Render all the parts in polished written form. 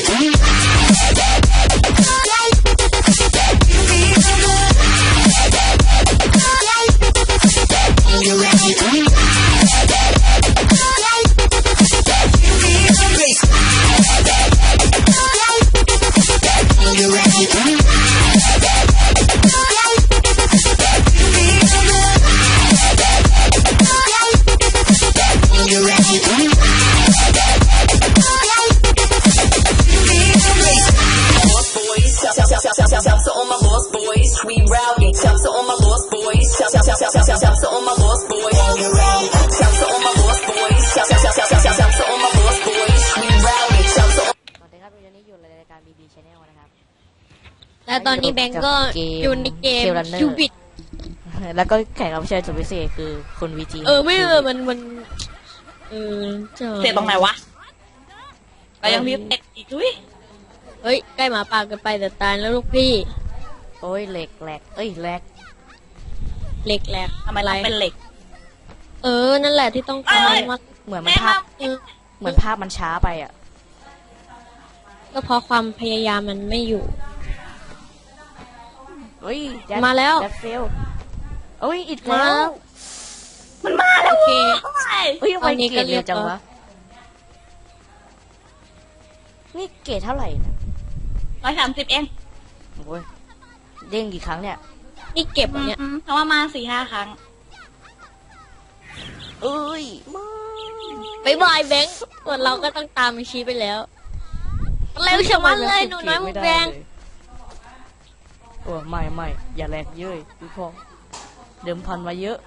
และตอนนี้แบงก์ก็อยู่ในเกมยูบิตแล้วก็แขกรับเชิญสุดพิเศษคือคุณวีจีไม่มันเสียตรงไหนวะก็ยังมีเอ็กอีกด้วยเฮ้ยใกล้หมาป่ากันไปแต่ตายแล้วลูกพี่โอ้ยเหล็กแหลกแหลกทำไมเราเป็นเหล็กนั่นแหละที่ต้องการมากเหมือนภาพมันช้าไปอ่ะก็เพราะความพยายามมันไม่อยู่มาแล้วเฟลอีกแล้วมันมาแล้วโอเคทำไมเกรดเร็วจังวะนี่เกรดเท่าไหร่ 130เองโอ้ยเด้งกี่ครั้งเนี่ยนี่เก็บเนี่ยเพราะว่ามา 4-5 ครั้งไปบายแบงค์ส่วนเราก็ต้องตามมันชี้ไปแล้วเร็วชะมัดเลยหนูน้อยมุกแดงไม่อย่าแรงเยอะพี่พอเดิมพันมาเยอะ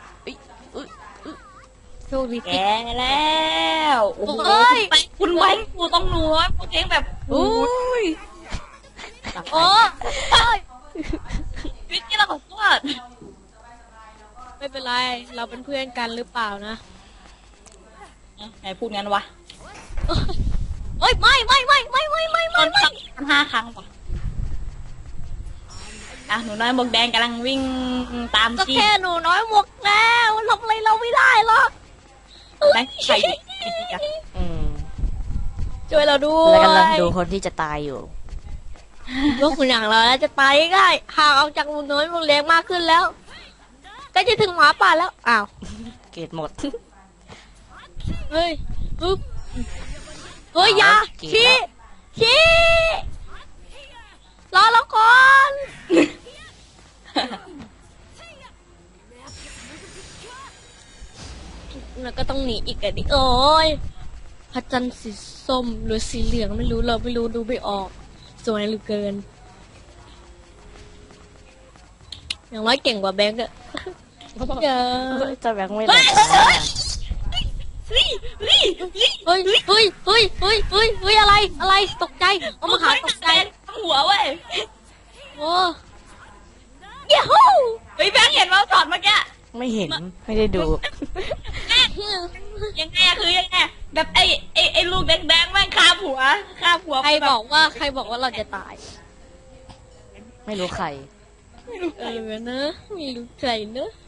โชคดีแกแล้วโอ้ยคุณแบงค์กูต้องหนูกูเองแบบวิกกี้เราขอโทษไม่เป็นไรเราเป็นเพื่อนกันหรือเปล่านะไหนพูดงั้นวะไม่ 5 ครั้งว่ะหนูน้อยหมวกแดงกำลังวิ่งตามก็แค่หนูน้อยหมวกแล้วทำอะไรเราไม่ได้หรอกแบงค์ใครช่วยเราด้วยแล้วกำลังดูคนที่จะตายอยู่พวกคุณอย่างเราแล้วจะตายง่ายห่างออกจากหนูน้อยหมวกแดงมากขึ้นแล้วก็จะถึงหมาป่าแล้วอ้าวเกรดหมดเฮ้ยยาชี้รอแล้วก่อนแล้วก็ต้องหนีอีกอะดิโอ้ยพระจันทร์สีส้มหรือสีเหลืองไม่รู้เราไม่รู้ดูไม่ออกสวยเหลือเกินอย่างน้อยเก่งกว่าแบงก์อะจะแบงก์ไม่ได้อะไรตกใจเอามาหาตกใจหัวเว้ยโอ้ยฮู้แบงค์เห็นว่าถอดเมื่อกี้ไม่เห็นไม่ได้ดูยังไงคือยังไงแบบไอ้ลูกแดงแม่งคาบหัวใครบอกว่าเราจะตายไม่รู้ใครนะไม่รู้ใครเนอะ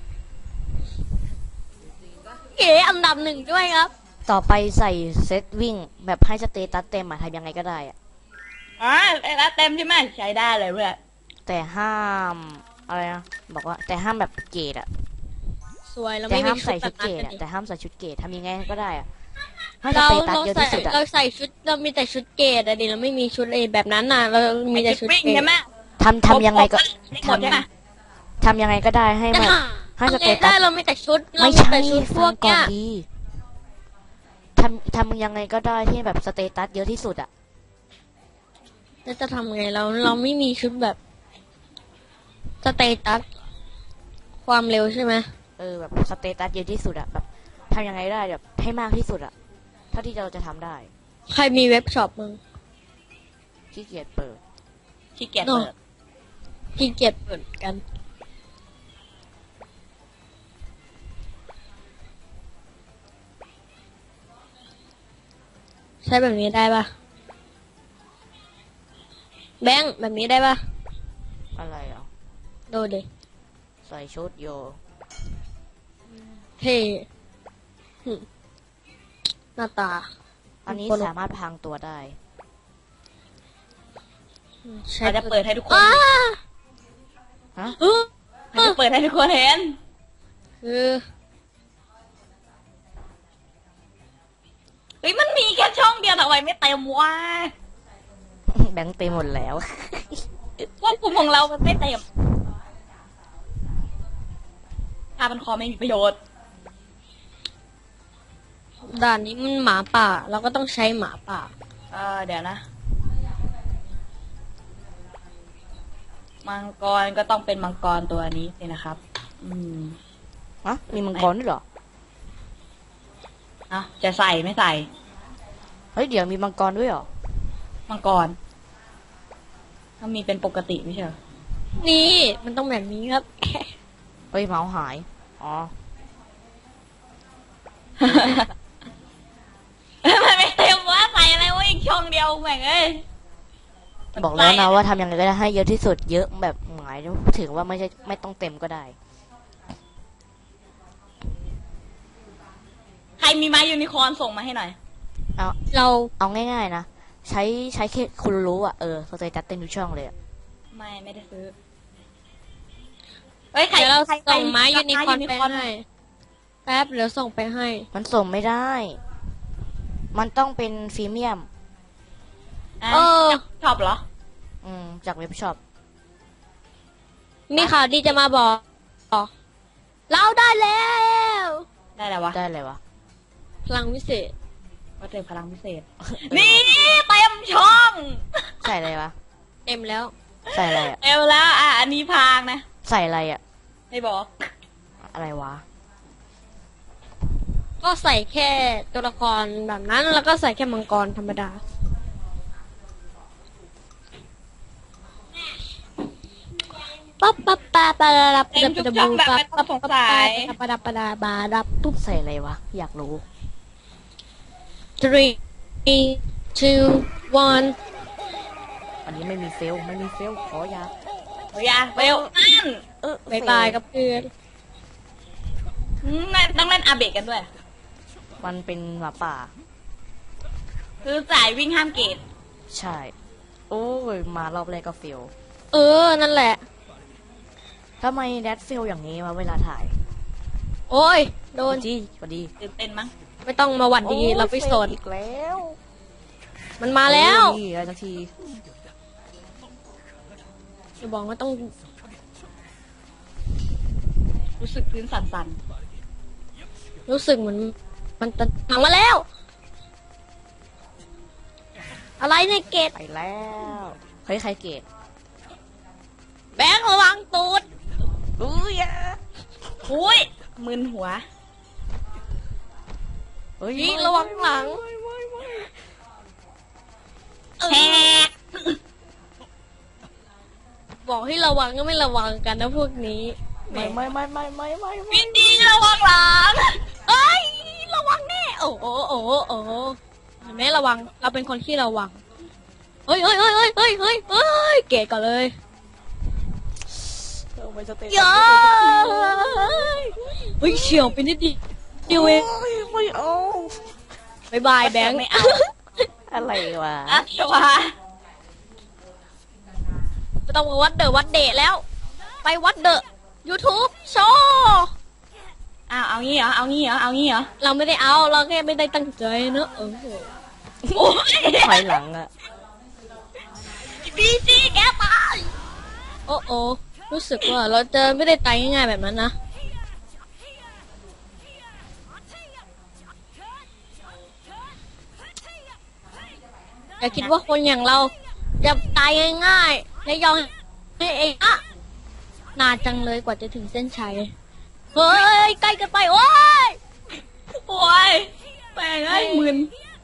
เก๋อันดับ1ด้วยครับต่อไปใส่เซตวิ่งแบบให้สเตตัสเต็มทำยังไงก็ได้สเตตัสเต็มใช่ไหมใช้ได้เลยเพื่อนแต่ห้ามอะไรนะบอกว่าแต่ห้ามแบบเกรดสวยเราแต่ไม่ห้ามใส่ชุดเกรดแต่ห้ามใส่ชุดเกรดทำยังไงก็ได้ให้สเตตัสเยอะที่สุดเราใส่ชุดเรามีแต่ชุดเกรดดิเราไม่มีชุดแบบนั้นน่ะเรามีแต่ชุดเกรดใช่ไหมทำยังไงก็ทำยังไงก็ได้ให้มันให้สเตตัสเราไม่แต่ชุดไม่ใช่พวกเนี้ยทำยังไงก็ได้ที่แบบสเตตัสเยอะที่สุดแล้วจะทำไงเราไม่มีชุดแบบสเตตัสความเร็วใช่ไหมแบบสเตตัสเยอะที่สุดแบบทำยังไงได้แบบให้มากที่สุดเท่าที่เราจะทำได้ใครมีเว็บช็อปมึงขี้เกียจเปิดกันใช้แบบนี้ได้ปะแบงค์แบบนี้ได้ปะอะไรดูดิใส่ชุดโยเท่หน้าตาอันนี้สามารถพรางตัวได้ใช้เราจะเปิดให้ทุกคนอ้าฮะเออเราจะเปิดให้ทุกคนเห็นคือเฮ้ยมันมีแค่ช่องเดียวแต่ทำไมไม่เต็มวะแบงค์เต็มหมดแล้วควบคุมของเรามันไม่เต็มถ้ามันคอไม่มีประโยชน์ด่านนี้มันหมาป่า เราก็ต้องใช้หมาป่าเดี๋ยวนะ มังกรก็ต้องเป็นมังกรตัวนี้สินะครับฮะ มีมังกรด้วยเหรอจะใส่ไม่ใส่เฮ้ย เดี๋ยวมีมังกรด้วยเหรอมังกรมันมีเป็นปกติไม่ใช่เหรอนี่มันต้องแบบนี้ครับเฮ้ย เมาส์หาย อ๋อมันไม่เต็มว่าใส่อะไรวะอีกช่องเดียวแม่งเอ้ยบอกแล้วนะว่าทำยังไงก็ได้ให้เยอะที่สุด เยอะแบบหมายถึงว่าไม่ต้องเต็มก็ได้ใครมีไม้ยูนิคอร์นส่งมาให้หน่อยเราเอาง่ายๆนะ ใช้แค่คุณรู้อ่ะ สเตตัสเต็มทุกช่องเลยอ่ะไม่ได้ซื้อ เฮ้ยใครเดี๋ยวเราใครส่งไม้ใครยูนิคอร์นไม้ไปให้แป๊บเดี๋ยวส่งไปให้มันส่งไม่ได้ มันต้องเป็นฟรีเมียมอ่ะเออชอบเหรอจากเว็บช็อปมีข่าวดีจะมาบอก เราได้แล้วได้แล้ววะได้เลยวะพลังวิเศษก็เจอพลังพิเศษ นี่เต็มช่องใส่อะไรวะเต็มแล้วใส่อะไรอ่ะเต็มแล้วอันนี้พางนะใส่อะไรอ่ะให้บอกอะไรวะก็ใส่แค่ตัวละครแบบนั้น แล้วก็ใส่แค่มังกรธรรมดา ปั๊บปั๊บปะปะดับเต็มทุกช่องแบบไม่ต้องสงสัยปะดับปะดาบาดับปุ๊บใส่อะไรวะ อยากรู้ 3 2 1 อันนี้ไม่มีเฟล ไม่มีเฟล ขออยาเฮ้ยเบลนั่นบายบายกับเพื่อนต้องเล่นอาเบะกันด้วยมันเป็นหมาป่าคือสายวิ่งห้ามเกตใช่ โอ้ย มารอบแรกก็เฟลนั่นแหละทำไมแดดเฟลอย่างนี้มาเวลาถ่ายโอ้ย โดนจีสวัสดีตื่นเต้นมั้งไม่ต้องมาหวัดดีโอ้ยเราไปสนฟลอีกแล้วมันมาแล้วนี่อะไรสักทีจะบอกว่าต้องรู้สึกพื้นสั่นรู้สึกเหมือนมันจะพังมาแล้ว อะไรเนี่ยเกตไปแล้ว เฮ้ย ใครเกตแบงค์ระวังตูดอุ้ยอะๆอุ้ยมึนหัวเฮ้ยนี่ระวังหลังแฮกบอกให้ระวังก็ไม่ระวังกันนะพวกนี้ไม่ไม่ไม่ไม่ไม่ไม่วินดีระวังหลังเอ้ยระวังแน่โอ้โหโอ้โหโอ้โหเห็นไหมระวัง เราเป็นคนที่ระวังเฮ้ยเฮ้ยเฮ้ยเฮ้ยเฮ้ยเฮ้ยเฮ้ยเกตก่อนเลยเอาไปสเตตัสเย้เฮ้ยเฉียวไปนิดเดียวเองโอ้ยไม่เอาบายบายแบงค์ไม่เอาอะไรวะอะชัวไม่ต้องมาวัดเดอะวัดเดะแล้ว ไปวัดเดอะ YouTube โชว์เอางี้เหรอ เอางี้เหรอ เอางี้เหรอเราไม่ได้เอา เราแค่ไม่ได้ตั้งใจเนอะโอ้ยถอยหลังอะบีจีแกตายโอ้โอ้รู้สึกว่าเราจะไม่ได้ตายง่ายๆแบบนั้นนะ อย่าคิดว่าคนอย่างเราจะตายง่ายๆและยอมให้เองอะนานจังเลยกว่าจะถึงเส้นชัย เฮ้ย ใกล้กันไป โอ้ยโอ้ยแม่งไอ้ยมึน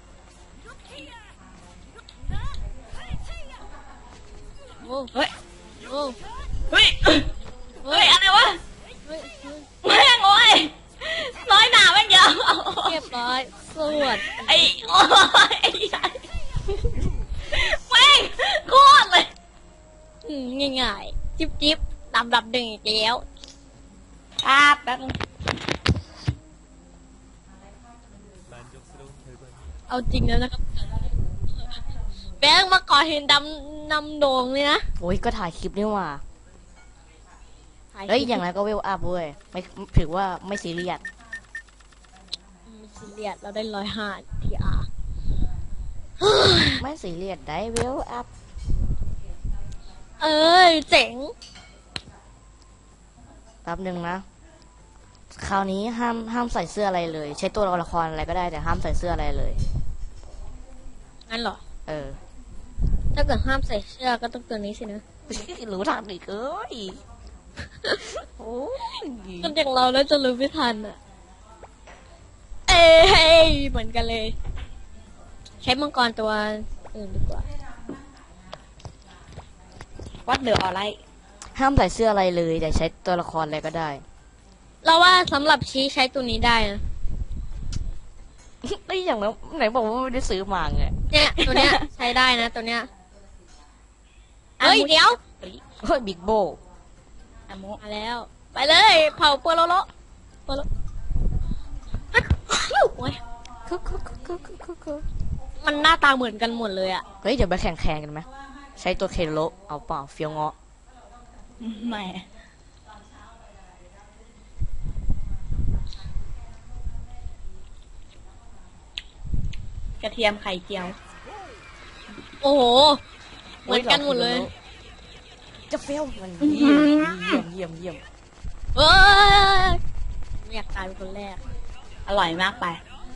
โอ้เฮ้ยโอ้เฮ้ย เฮ้ย อะไรวะเฮ้ยเฮ้ยแม่งโอ้ยน้อยหนาแม่งยาวเรียบร้อยสวัสดไอ้โอ้ยไอ้ใหญ่แม่งโคตรเลยง่ายๆ จิ๊บๆดับๆดึงอีกแล้วครับแป๊บนึงเอาจริงแล้วนะครับแบงค์มาก่อเห็นดำนำโด่งเลยนะโอ้ยก็ถ่ายคลิปนี่หว่าถ่ายคเฮ้ยลิปอย่างไรก็เวลอัพเว้ยไม่ถือว่าไม่ซีเรียสไม่ซีเรียสเราได้105 TR ไม่ซีเรียสได้เวลอัพเอ้ยเจ๋งแป๊บนึงนะ คราวนี้ห้ามใส่เสื้ออะไรเลย ใช้ตัวละครอะไรก็ได้แต่ห้ามใส่เสื้ออะไรเลยงั้นเหรอเออถ้าเกิดห้ามใส่เสื้อก็ต้องตัวนี้สินะรู้ทางอีกเอ้ยโอ้ยคนอย่างเราแล้วจะรู้ไม่ทันอ่ะ เอ้ยเหมือนกันเลย ใช้มังกรตัวอื่นดีกว่าวัดเดืออะไรห้ามใส่เสื้ออะไรเลยแต่ใช้ตัวละครอะไรก็ได้เราว่าสำหรับชี้ใช้ตัวนี้ได้นะไอ้ยอย่างนั้นไหนบอกว่าไม่ได้ซื้อมาไงเนี่ยตัวเนี้ย ใช้ได้นะตัวเนี้ย เฮ้ยเดี๋ยวเฮ้ยบิ๊กโบอามุมาแล้ว ไปเลยเผาปัวโลโลปัวโลโอ้ยคือมันหน้าตาเหมือนกันหมดเลยอะเฮ้ยเดี๋ยวไปแข่งกันไหมใช้ตัวเคโลเอาเปล่าเฟียวเงาะไม่กระเทียมไข่เจียวโอ้โห เหมือนกันหมดเลยจะเฟียวมันเยี่ยมเอ้ยไม่อยากตายเป็นคนแรกอร่อยมากไป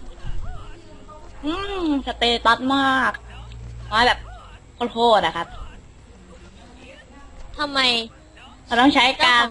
สเตตัสมากน้อยแบบโคตรๆอะครับทำไมเราต้องใช้การ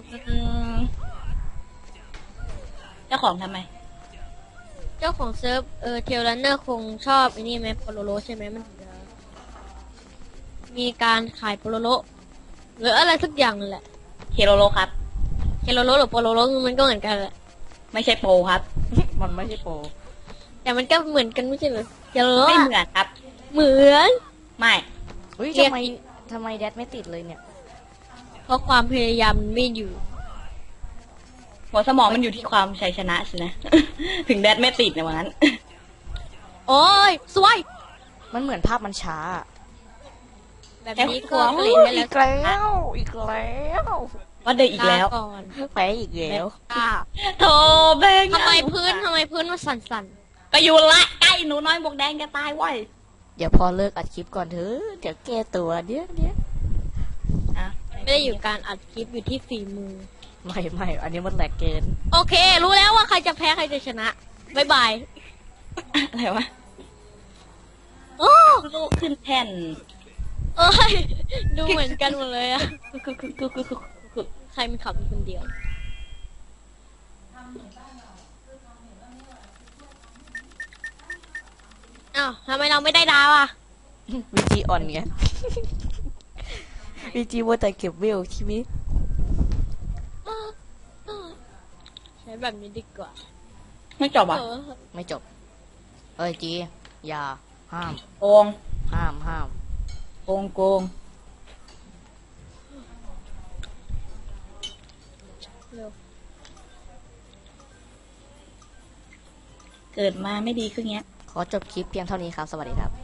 เจ้าของทำไมเจ้าของเซิร์ฟเทลรันเนอร์คงชอบไอ้นี่ไหมโปโลโลใช่ไหมมันถึงจะมีการขายโปโลโลหรืออะไรสักอย่างนั่นแหละเคโลโลครับเคโลโลหรือโปโลโลมันก็เหมือนกันแหละไม่ใช่โปรครับมันไม่ใช่โปรแต่มันก็เหมือนกันไม่ใช่เหรอเคโลโลไม่อะเหมือนครับเหมือนไม่เฮ้ยเรียกทำไมแดดไม่ติดเลยเนี่ยเพราะความพยายามมันไม่อยู่หัวสมองมันอยู่ที่ความชัยชนะสินะ ถึงแดดไม่ติดในวันนั้นโอ้ยสวยมันเหมือนภาพมันช้าแบบนี้แค่ก็หัวผลิตได้อีแล้วอีกแล้วว่าเดินอีกแล้วลาก่อนแพ้อีกแล้วอ่ะโธ่เบงทำไมพื้นมันสั่นก็อยู่ละใกล้หนูน้อยบวกแดงจะตายเว้ยเดี๋ยวพอเลิกอัดคลิปก่อนเถอะเดี๋ยวแก้ตัวเดี๋ยวอ่ะๆไม่ได้อยู่การอัดคลิปอยู่ที่ฝีมือไม่อันนี้มันแหลกเกินโอเค รู้แล้วว่าใครจะแพ้ใครจะชนะบายบายอะไรวะโอ้ลูกขึ้นแท่นเอ้ย ดูเหมือนกันหมดเลยอะคือใครมันขับอยู่คนเดียว อ้าวทำไมเราไม่ได้ดาวอ่ะวีจีอ่อนไงวีจีว่าแต่เก็บเวลชีวิตใช้แบบนี้ดีกว่าไม่จบอ่ะเออไม่จบเอ้ยจีอย่าห้ามโกงห้ามโกงโกงเร็วเกิดมาไม่ดีขึ้นเงี้ยขอจบคลิปเพียงเท่านี้ครับ สวัสดีครับ